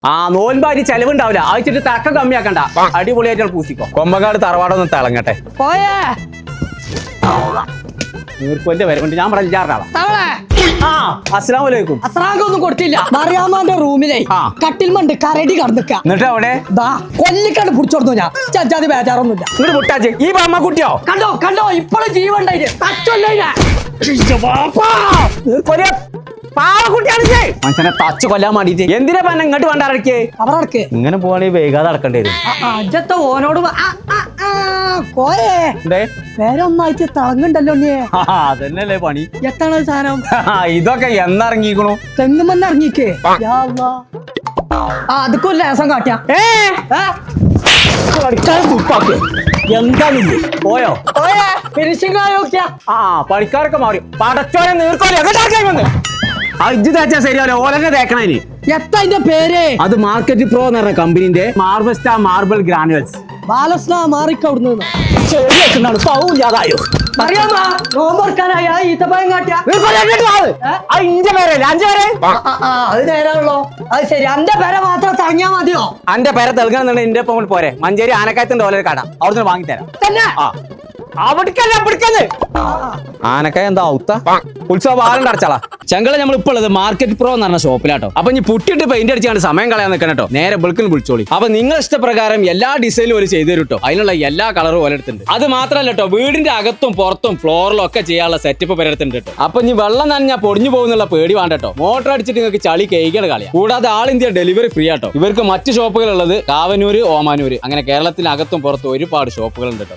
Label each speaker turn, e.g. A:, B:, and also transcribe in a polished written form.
A: ആ നോൻപാരി ചെലവുണ്ടാവില്ല ആഴ്ചയിട്ട് തക്ക കമ്മിയാക്കണ്ട അടിപൊളിയായിട്ട് പൂസിക്കോ കൊമ്പക്കാട് തറവാടൊന്നും തിളങ്ങട്ടെ
B: പോയേ
A: നീർക്കൊന്റെ വരെ കൊണ്ട് ഞാൻ പറഞ്ഞാറാളാ
B: തവളെ
A: ആ അസ്സലാമലൈക്കും
B: അസ്രാങ്കൊന്നും കൊടുത്തില്ല മറിയാമാന്റെ റൂമിലെ
A: ആ.
B: കട്ടിൽമണ്ട് കരടി കടന്നിക്ക
A: എന്നിട്ട് അവിടെ
B: ദാ കൊല്ലിക്കണ്ട് പിടിച്ചോടുത്തു ഞാൻ ചച്ചാതി ബേജാറൊന്നുമില്ല
A: ഇങ്ങോട്ട് മുട്ടാച്ച് ഈ ബാമ്മ കുട്ടിയോ
B: കണ്ടോ കണ്ടോ ഇപ്പോഴും ജീവണ്ടായിട്ട് തച്ചല്ലേ
A: മനുഷ്യനെ തച്ച് കൊല്ലാൻ വേണ്ടിട്ട് എന്തിനാ പറഞ്ഞ ഇങ്ങോട്ട് വേണ്ടാറക്കേ
B: അവർക്ക്
A: ഇങ്ങനെ പോവാണെങ്കിൽ വൈകാതെ നടക്കേണ്ടി വരും
B: അജത്തെ ഓനോട് കോയേ
A: എന്തേ
B: വേറെ ഒന്നായിട്ട് തിളങ്ങുണ്ടല്ലോ നീ
A: അതന്നെയല്ലേ പണി
B: എത്താണ് സാധനം
A: ഇതൊക്കെ എന്നിറങ്ങിക്കണു
B: തെങ്ങുമെന്ന് ഇറങ്ങിക്കേ അതൊക്കെ ഒരു ലേസം കാട്ടിയാ
A: എന്താണ് പോയോ
B: ഫിനിഷിംഗ് ആയോക്കിയാ
A: ആ പണിക്കാരൊക്കെ മാറി പടച്ചോനെ നീർക്കോലെ ഇജ്ജ് തേച്ചാ ശരിയാവില്ല ഓലന്നെ തേക്കണേന്
B: എത്താ അതിന്റെ പേര്
A: അത് മാർക്കറ്റ് പ്രോ എന്ന് പറഞ്ഞ കമ്പനിന്റെ മാർബസ്റ്റ മാർബിൾ ഗ്രാനുവൽസ്
B: ബാലസ്ന മാറിക്കവിടുന്ന്
A: സൗല്ലാതായോ
B: അറിയാമാ നോമ്പറക്കാനായ ഈത്തപ്പഴം കാട്ടിയാ
A: ഇഞ്ച പേരല്ലേ അഞ്ച പേരെ
B: അത് നേരാണല്ലോ അത് ശരി എന്റെ പേരെ മാത്രം തങ്ങിയാ മതിയോ
A: അന്റെ പേരെ തെളുകണമെന്നുണ്ടെങ്കിൽ എന്റെ ഒപ്പം പോരെ മഞ്ചേരി ആനക്കായത്തിന്റെ ഓലൊരു കട അവിടുന്ന് വാങ്ങിത്തരാം
B: തന്നെ
A: ആനക്കായ എന്താ ഔത്ത ഉത്സവ ആരും അടച്ചാളാ ചെങ്കള നമ്മൾ ഇപ്പോൾ ഉള്ളത് മാർക്കറ്റ് പ്രോ എന്ന് പറഞ്ഞ ഷോപ്പിലാട്ടോ അപ്പൊ ഇനി പുട്ടിട്ട് പെയിന്റ് അടിച്ചാണ്ട് സമയം കളയാൻ നിൽക്കണം കേട്ടോ നേരെ ബിൾക്കിന് വിളിച്ചോളി അപ്പൊ നിങ്ങൾ ഇഷ്ടപ്രകാരം എല്ലാ ഡിസൈനും ഒരു ചെയ്തു തരും കേട്ടോ അതിനുള്ള എല്ലാ കളറും ഓലെടുത്തുണ്ട് അത് മാത്രമല്ല കേട്ടോ വീടിന്റെ അകത്തും പുറത്തും ഫ്ലോറിലും ഒക്കെ ചെയ്യാനുള്ള സെറ്റപ്പ് പരത്തുണ്ട് കേട്ടോ അപ്പൊ ഇനി വെള്ളം നനഞ്ഞാൽ പൊടിഞ്ഞു പോകുന്നുള്ള പേടി വേണ്ട കേട്ടോ മോട്ടർ അടിച്ചിട്ട് നിങ്ങൾക്ക് ചളി കേൾക്കാൻ കളിയാം കൂടാതെ ആൾ ഇന്ത്യ ഡെലിവറി ഫ്രീ ആട്ടോ ഇവർക്ക് മറ്റ് ഷോപ്പുകളുള്ളത് കാവനൂര് ഓമാനൂര് അങ്ങനെ കേരളത്തിനകത്തും പുറത്തും ഒരുപാട് ഷോപ്പുകൾ ഉണ്ട് കേട്ടോ